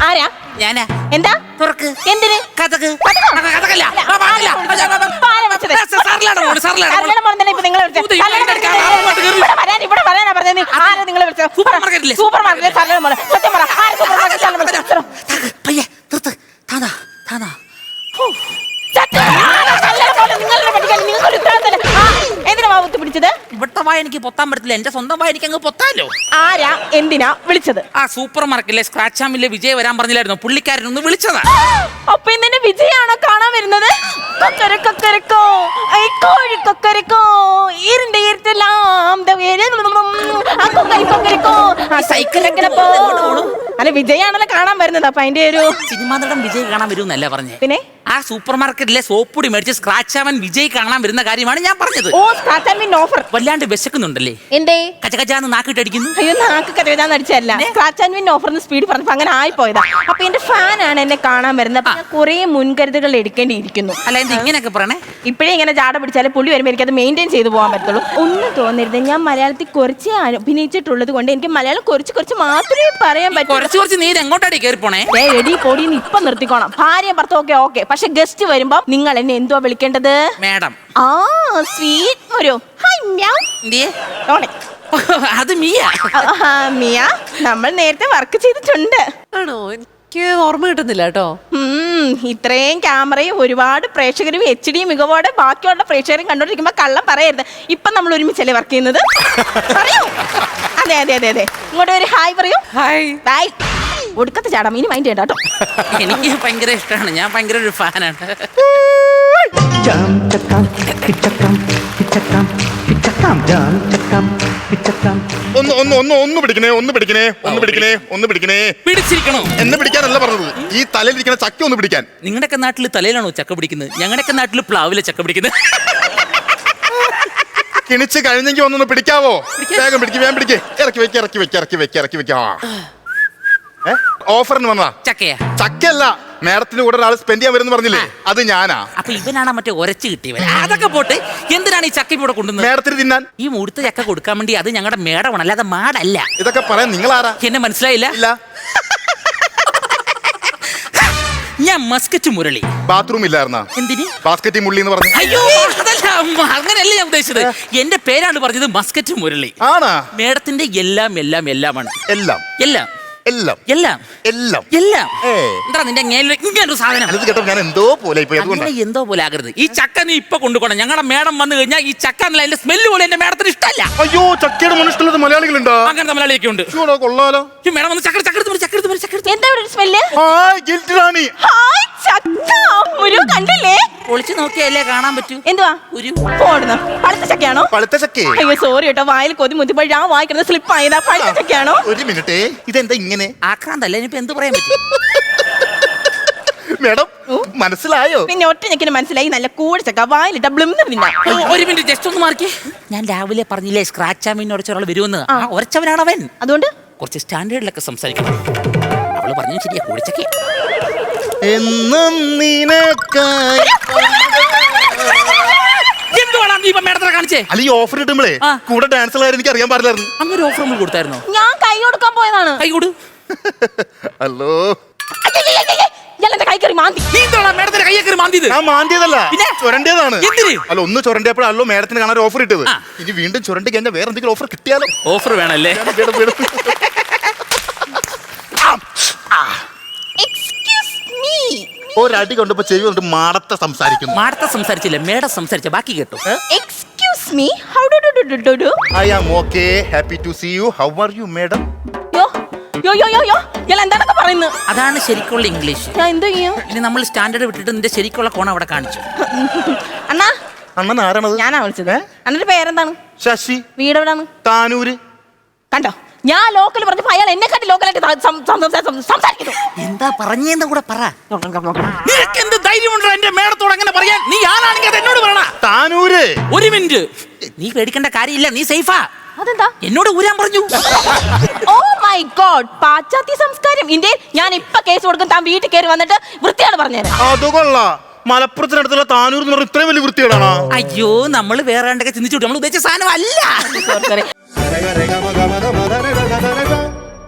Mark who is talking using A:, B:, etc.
A: ആരാ?
B: ഞാനാ.
A: എന്താ?
B: തുറക്ക്.
A: എന്തിന്?
B: കഥക്.
A: കഥകോ?
B: കഥകല്ല.
A: ആരാ വെച്ചത്?
B: സാറിലാണ് മോള്, സാറിലാണ് മോള്.
A: കല്യാണം മോളെ തന്നെ ഇപ്പൊ നിങ്ങളെ വിളിച്ചത്. ഇവിടെ വരാനാ പറഞ്ഞത്. ആരാ നിങ്ങളെ വിളിച്ചത്?
B: സൂപ്പർ മാർക്കറ്റിലെ.
A: സൂപ്പർ മാർക്കറ്റിലെ കല്യാണം മോളെ. സത്യം പറ, ആര് സൂപ്പർ മാർക്കറ്റിലാണ്?
B: പയ്യെ നിർത്ത്. താനാ താനാ.
A: എന്തിനാ വാവുത്തി പിടിച്ചത്?
B: ഇവിടുത്തെ വായ എനിക്ക് പൊത്താൻ പറ്റത്തില്ല, എന്റെ സ്വന്തം വായ എനിക്ക് അങ്ങ് പൊത്താലോ.
A: ആരാ എന്തിനാ വിളിച്ചത്?
B: ആ സൂപ്പർ മാർക്കറ്റിലെ സ്ക്രാച്ച് ആമിലെ വിജയ് വരാൻ പറഞ്ഞില്ലായിരുന്നു, പുള്ളിക്കാരൻ ഒന്ന് വിളിച്ചതാ.
A: അപ്പൊ ഇന്നെ വിജയാണോ കാണാൻ വരുന്നത്? കൊക്കരക്കോ കോഴി കൊക്കരക്കോ ഈരിന്റെ ഈരത്തെല്ലാം സൈക്കിളൊക്കെ അല്ല വിജയാണല്ലോ കാണാൻ വരുന്നത്. അപ്പൊ അതിന്റെ ഒരു
B: സിനിമാ നടൻ വിജയ് കാണാൻ വരുമെന്നല്ല പറഞ്ഞേ.
A: പിന്നെ
B: ആ സൂപ്പർ മാർക്കറ്റിലെ സോപ്പൊടി മേടിച്ച് സ്ക്രാച്ച് ആവാൻ വിജയ് കാണാൻ വരുന്ന കാര്യമാണ് ഞാൻ പറഞ്ഞത്.
A: ഓ സ്ക്രാച്ച് ആൻഡ് വിൻ ഓഫർ.
B: വല്ലാണ്ട് വിശക്കുന്നുണ്ടല്ലേ?
A: എന്തേ
B: കച്ചകച്ചാന്ന് നാക്കിട്ടടിക്കുന്നു?
A: അയ്യോ നാക്ക് കഥയെന്ന് അടിച്ചല്ല, സ്ക്രാച്ച് ആൻഡ് വിൻ ഓഫറിന് സ്പീഡ് പറഞ്ഞപ്പോ അങ്ങനെ ആയിപ്പോയതാ. അപ്പൊ എന്റെ ഫാനാണ് എന്നെ കാണാൻ വരുന്നത്. അപ്പൊ ഞാൻ കുറെ മുൻകരുതലുകൾ എടുക്കേണ്ടിയിരിക്കുന്നു.
B: അല്ല എന്താ ഇങ്ങനെയൊക്കെ പറയണേ?
A: ഇപ്പഴേ ഇങ്ങനെ ജാട പിടിച്ചാൽ പുള്ളി വരുമ്പോൾ എനിക്ക് അത് മെയിൻറ്റെയിൻ ചെയ്തു പോകാൻ പറ്റുള്ളൂ. ഒന്നും തോന്നരുത്, ഞാൻ മലയാളത്തിൽ കുറച്ച് അഭിനയിച്ചിട്ടുള്ളത് കൊണ്ട് എനിക്ക് മലയാളം കുറച്ച് മാത്രമേ പറയാൻ പറ്റൂ.
B: കുറച്ച് നീര് എങ്ങോട്ടാടി കയറി പോണേ?
A: എടി പൊടിന്ന് ഇപ്പൊ നിർത്തിക്കോണം. ഭാര്യ ഭർത്താവ് ഒക്കെ, പക്ഷെ ഗസ്റ്റ് വരുമ്പോ നിങ്ങൾ എന്നെ എന്തുവാ വിളിക്കേണ്ടത്?
B: മാഡം.
A: ആ സ്വീറ്റ് മുരു. ഹായ് മ്യാവ്.
B: അത് മിയ.
A: മിയ, നമ്മൾ നേരത്തെ വർക്ക് ചെയ്തിട്ടുണ്ട്.
C: ആണോ? എനിക്ക് ഓർമ്മ കിട്ടുന്നില്ല കേട്ടോ.
A: ഇത്രയും ക്യാമറയും ഒരുപാട് പ്രേക്ഷകരും HD മികവോടെ ബാക്കിയുള്ള പ്രേക്ഷകരും കണ്ടോണ്ടിരിക്കുമ്പോ കള്ളം പറയരുത്. ഇപ്പൊ നമ്മൾ ഒരുമിച്ചല്ലേ വർക്ക് ചെയ്യുന്നത്? പറയൂ. അതെ അതെ അതെ അതെ. ഇങ്ങോട്ട് ഒരു ഹായ് പറയൂ.
C: ഹായ്.
A: ബൈ. ഒടുക്കത്തെ ചാടാം, ഇനി മൈൻഡ് ചെയ്യണ്ട കേട്ടോ.
B: എനിക്ക് ഭയങ്കര ഇഷ്ടമാണ്, ഞാൻ ഭയങ്കര ഒരു ഫാനാണ്. പിടിച്ചിരിക്കണോ?
D: എന്നെ പിടിക്കാനല്ല പറഞ്ഞത്, ഈ തലയിലിരിക്കുന്ന ചക്ക ഒന്ന് പിടിക്കാൻ.
B: നിങ്ങളുടെയൊക്കെ നാട്ടിൽ തലയിലാണോ ചക്ക പിടിക്കുന്നത്? ഞങ്ങളുടെയൊക്കെ നാട്ടിൽ പ്ലാവിലെ ചക്ക പിടിക്കുന്നത്.
D: കിണിച്ച് കഴിഞ്ഞെങ്കിൽ ഒന്നൊന്ന് പിടിക്കാവോ? വേഗം പിടിക്ക്, വേഗം പിടിക്ക്. ഇറക്കി വെക്ക. ഓഫറിന് വന്നതാ.
B: ചക്കയാ?
D: ചക്കയല്ല, മേഡത്തിന്റെ കൂടെ ഒരാൾ സ്പെൻഡ് ചെയ്യാൻ വരുന്ന പറഞ്ഞില്ലേ, അത് ഞാനാ.
B: അപ്പൊ ഇവനാണ് മറ്റേ ഒരച്ച് കിട്ടിയവൻ. അതൊക്കെ പോട്ട്, എന്തിനാണ് ഈ ചക്ക ഇവിടെ കൊണ്ടുവന്നത്?
D: മേഡത്തിന് തിന്നാൻ.
B: ഈ മുഴുത്ത ചക്ക കൊടുക്കാൻ വേണ്ടി. അത് ഞങ്ങളുടെ മേടമാണ്, അല്ലാതെ മാടല്ല.
D: ഇതൊക്കെ പറയാൻ നിങ്ങൾ ആരാ?
B: എന്നെ മനസ്സിലായില്ല?
D: ഇല്ല.
B: ഞാൻ മസ്കറ്റ് മുരളി.
D: ബാത്റൂം ഇല്ലായിരുന്ന?
B: എന്തിന്?
D: ബാസ്കറ്റ് മുള്ളി എന്ന് പറഞ്ഞു.
B: അയ്യോ അതല്ല, അങ്ങനെയല്ല ഞാൻ ഉദ്ദേശിച്ചത്. എന്റെ പേരാണ് പറഞ്ഞത്, മസ്കറ്റ് മുരളി.
D: ആണാ?
B: മേഡത്തിന്റെ എല്ലാം എല്ലാം എല്ലാമാണ്.
D: എല്ലാം
B: എല്ലാം
D: എല്ലാം
B: എല്ലാം
D: എല്ലാം
B: എല്ലാം. എന്താ നിന്റെ ഇങ്ങനൊരു സാധനം?
D: അത് കേട്ടോ ഞാൻ എന്തോ പോലെ
B: എന്തോ പോലെ ആകരുത്. ഈ ചക്ക നീ ഇപ്പൊ കൊണ്ടുപോകണം. ഞങ്ങളുടെ മേഡം വന്നു കഴിഞ്ഞാൽ ഈ ചക്ക എന്നല്ല, അതിന്റെ സ്മെല്ല് പോലെ എന്റെ മേഡത്തിന് ഇഷ്ടമല്ല.
D: അയ്യോ, ചക്കയുടെ മനുഷ്യരുള്ളത് മലയാളികളുണ്ടോ?
B: അങ്ങനത്തെ മലയാളിയൊക്കെ ഉണ്ട്.
D: കൊള്ളാലോ.
B: മേഡം വന്ന് ചക്ക
A: എന്താ ഇവിടെ സ്മെല്ല്? കണ്ടില്ലേ?
B: ഒളിച്ചു നോക്കിയല്ലേ കാണാൻ പറ്റൂ.
A: എന്തുവാ ഒരു പോടുന്നു? പഴുത്ത ചക്കയാണോ?
D: പഴുത്ത ചക്കേ?
A: അയ്യോ സോറി കേട്ടോ, വായിൽ കൊതി മുത്തിപ്പോയി ഞാൻ വായിക്കുന്നത് സ്ലിപ്പ് ആയതാ. പഴുത്ത ചക്കയാണോ?
D: ഒരു മിനിറ്റ്, ഇതെന്താ ഇങ്ങനെ?
B: ആക്രാന്തല്ല, ഇനിയിപ്പോ എന്ത് പറയാൻ പറ്റും?
D: മേഡം മനസ്സിലായോ?
A: പിന്നെ ഒറ്റ ഞെക്കിന് മനസ്സിലായി. നല്ല കൂടിച്ചക്ക വായിലിട്ട ബ്ലിംന്ന് തിന്നാ.
B: ഒരു മിനിറ്റ് ജസ്റ്റ് ഒന്ന് മാറിക്കേ. ഞാൻ രാവിലെ പറഞ്ഞില്ലേ സ്ക്രാച്ച് ആമീൻ ഉടച്ച ഒരാൾ വരുമെന്ന്. ഉറച്ചവനാണ് അവൻ. അതുകൊണ്ട് കുറച്ച് സ്റ്റാൻഡേർഡിലൊക്കെ സംസാരിക്കണം. അവള് പറഞ്ഞു ശരിയാ, കൂടിച്ചക്ക
D: എന്നും നിനക്കായി.
B: എന്തുവാണ് നീ ഇപ്പൊ മേഡത്തിനെ കാണിച്ചേ?
D: അല്ല ഈ ഓഫർ കിട്ടുമ്പോഴേ കൂടെ ഡാൻസ് എനിക്ക് അറിയാൻ പാടില്ലായിരുന്നു.
B: അങ്ങനെ ഓഫർ നമ്മൾ കൊടുത്തായിരുന്നോ?
A: ഞാൻ കൈ കൊടുക്കാൻ പോയതാണ്.
B: കൈ കൊടു.
D: ഹലോ. മാന്തിയതല്ല, ചുരണ്ടിയതാണ്. അല്ല ഒന്ന് ചുരണ്ടിയപ്പോഴല്ലോ മേഡത്തിന് കാണാൻ ഓഫർ ഇട്ടത്. ഇനി വീണ്ടും ചുരണ്ടി കഴിഞ്ഞാൽ വേറെ എന്തെങ്കിലും ഓഫർ കിട്ടിയാലോ?
B: ഓഫർ വേണല്ലേ?
D: ഒരടി കൊണ്ടിപ്പോ ചെവി കൊണ്ട് മാടത്തെ സംസാരിക്കുന്നു.
B: മാടത്തെ സംസാരിച്ചില്ല, മേഡം സംസാരിച്ച ബാക്കി കേട്ടോ.
A: Excuse me, how do?
D: I am okay, happy to see you. How are you madam?
A: എന്താണൊക്കെ പറയുന്നത്?
B: അതാണ് ശരിക്കുള്ള ഇംഗ്ലീഷ്.
A: ഞാൻ എന്ത് ചെയ്യും?
B: ഇനി നമ്മൾ സ്റ്റാൻഡേർഡ് വിട്ടിട്ട് നിന്റെ ശരിക്കുള്ള കോണം അവിടെ കാണിച്ചു.
A: അണ്ണാ,
D: അണ്ണൻ ആരാണത്?
A: ഞാനാ വിളിച്ചത്. അണ്ണന്റെ പേരെന്താണ്?
D: ശശി.
A: വീട് എവിടാണ്?
D: താനൂര്.
A: കണ്ടോ, ഞാൻ ലോക്കൽ പറഞ്ഞപ്പോ അയാൾ എന്നെക്കാട്ടി ലോക്കലായിട്ട് സംസാരിക്കുന്നു.
B: എന്താ പറഞ്ഞെന്ന് കൂടെ പറ. നിനക്ക് എന്ത് ധൈര്യമുണ്ടോ എന്റെ മേഡത്തോട് അങ്ങനെ പറയാൻ? നീ ആരാണെങ്കിൽ അത് എന്നോട് പറയണ.
D: താനൂര്.
B: ഒരു മിനിറ്റ്, നീ പേടിക്കേണ്ട കാര്യമില്ല, നീ സേഫാ.
A: അതെന്താ?
B: എന്നോട് ഊരാൻ പറഞ്ഞു.
A: ഓ മൈ ഗോഡ്, പാശ്ചാത്യ സംസ്കാരം. ഇന്ത്യയിൽ ഞാൻ ഇപ്പൊ കേസ് കൊടുക്കും. താൻ വീട്ടിൽ കയറി വന്നിട്ട് വൃത്തിയാണ് പറഞ്ഞുതരാം.
D: അത് കൊള്ളാം. മലപ്പുറത്തിനടുത്തുള്ള താനൂർ എന്ന് പറഞ്ഞ ഇത്രയും വലിയ വൃത്തിയാണോ?
B: അയ്യോ, നമ്മൾ വേറെ ചിന്തിച്ചു, നമ്മൾ ഉദ്ദേശിച്ച സാധനം അല്ല.